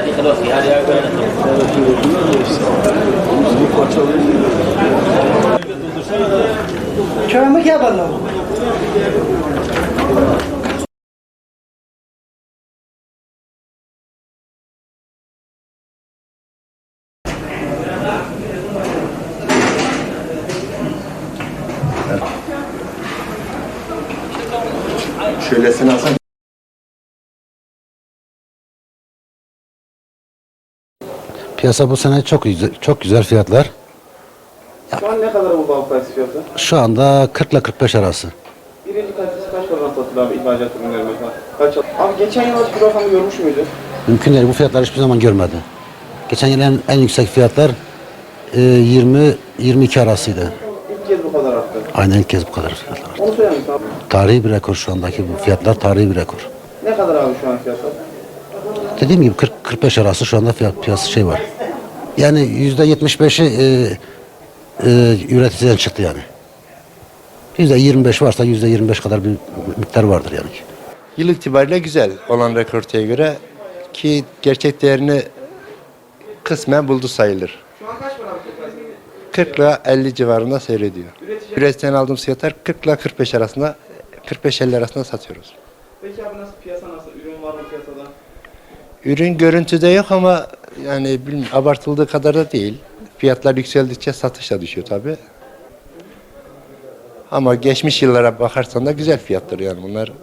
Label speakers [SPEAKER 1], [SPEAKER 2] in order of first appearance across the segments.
[SPEAKER 1] Çorabı क्या बन रहा हूँ
[SPEAKER 2] Şöylesini alsam.
[SPEAKER 3] Piyasa bu sene çok güzel fiyatlar.
[SPEAKER 4] Şu an ne kadar bu bal kayısı fiyatı?
[SPEAKER 3] Şu anda 40 ile 45 arası.
[SPEAKER 4] Birinci kalitesi kaç paradan satılıyor abi ihracat ürünleri mesela? Kaç? Abi geçen yıl bu rakamı görmüş müydü?
[SPEAKER 3] Mümkün değil. Bu fiyatlar hiçbir zaman görmedi. Geçen yıl en yüksek fiyatlar 20-22 arasıydı.
[SPEAKER 4] İlk kez bu kadar arttı.
[SPEAKER 3] Aynen ilk kez bu kadar fiyatlar arttı.
[SPEAKER 4] Onu söyler misin abi?
[SPEAKER 3] Tarihi bir rekor şu andaki bu fiyatlar, tarihi bir rekor.
[SPEAKER 4] Ne kadar abi şu an fiyatlar?
[SPEAKER 3] Dediğim gibi 40-45 arası şu anda piyasa şey var. Yani %75'i üreticiden çıktı yani. %25 varsa %25 kadar bir miktar vardır yani.
[SPEAKER 2] Yıl itibariyle güzel olan rekorteye göre ki gerçek değerini kısmen buldu sayılır.
[SPEAKER 4] Şu an kaç para abi
[SPEAKER 2] 40 ile 50 civarında seyrediyor. Üreticiden aldığımız fiyatlar 40 ile 45 arasında, 45-50 arasında satıyoruz.
[SPEAKER 4] Peki abi nasıl piyasa nasıl? Ürün var mı piyasada?
[SPEAKER 2] Ürün görüntüde yok ama yani abartıldığı kadar da değil. Fiyatlar yükseldikçe satış da düşüyor tabii. Ama geçmiş yıllara bakarsan da güzel fiyatlar yani bunlar.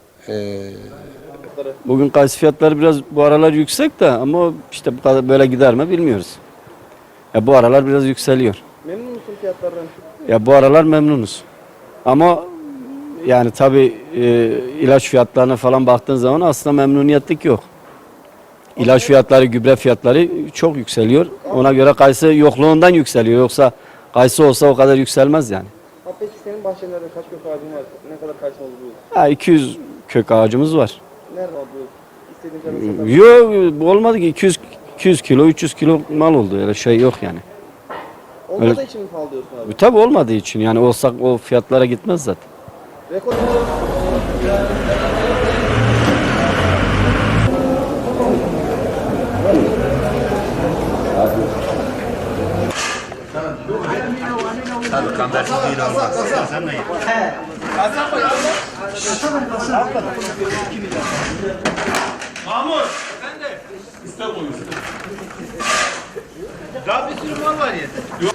[SPEAKER 5] Bugün kayısı fiyatları biraz bu aralar yüksek de ama işte bu kadar böyle gider mi bilmiyoruz. Ya bu aralar biraz yükseliyor.
[SPEAKER 4] Memnun musun fiyatlardan?
[SPEAKER 5] Ya bu aralar memnunuz. Ama yani tabii ilaç fiyatlarına falan baktığın zaman aslında memnuniyetlik yok. İlaç fiyatları, gübre fiyatları çok yükseliyor. Ona göre kayısı yokluğundan yükseliyor. Yoksa kayısı olsa o kadar yükselmez yani.
[SPEAKER 4] Abi peki senin bahçelerde kaç kök ağacın var? Ne kadar kayısı oldu bu yıl?
[SPEAKER 5] Ha, 200 kök ağacımız var.
[SPEAKER 4] Nerede oldu? İstediğin kadar satar.
[SPEAKER 5] Yok olmadı ki 200 kilo 300 kilo mal oldu öyle şey yok yani.
[SPEAKER 4] Olmadığı için mi pahalı diyorsun abi?
[SPEAKER 5] Tabii olmadığı için yani olsak o fiyatlara gitmez zaten.
[SPEAKER 4] Rekor
[SPEAKER 6] Mahmut! Sen de. İster koyuyorsun. Daha bir sürü mal var ya. Yok.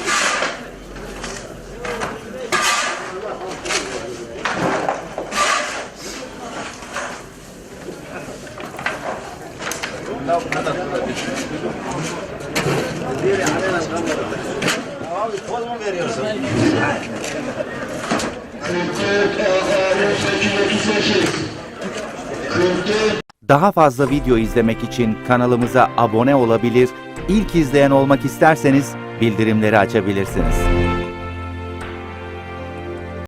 [SPEAKER 6] Abi poz mu veriyorsun?
[SPEAKER 7] Daha fazla video izlemek için kanalımıza abone olabilir, ilk izleyen olmak isterseniz bildirimleri açabilirsiniz.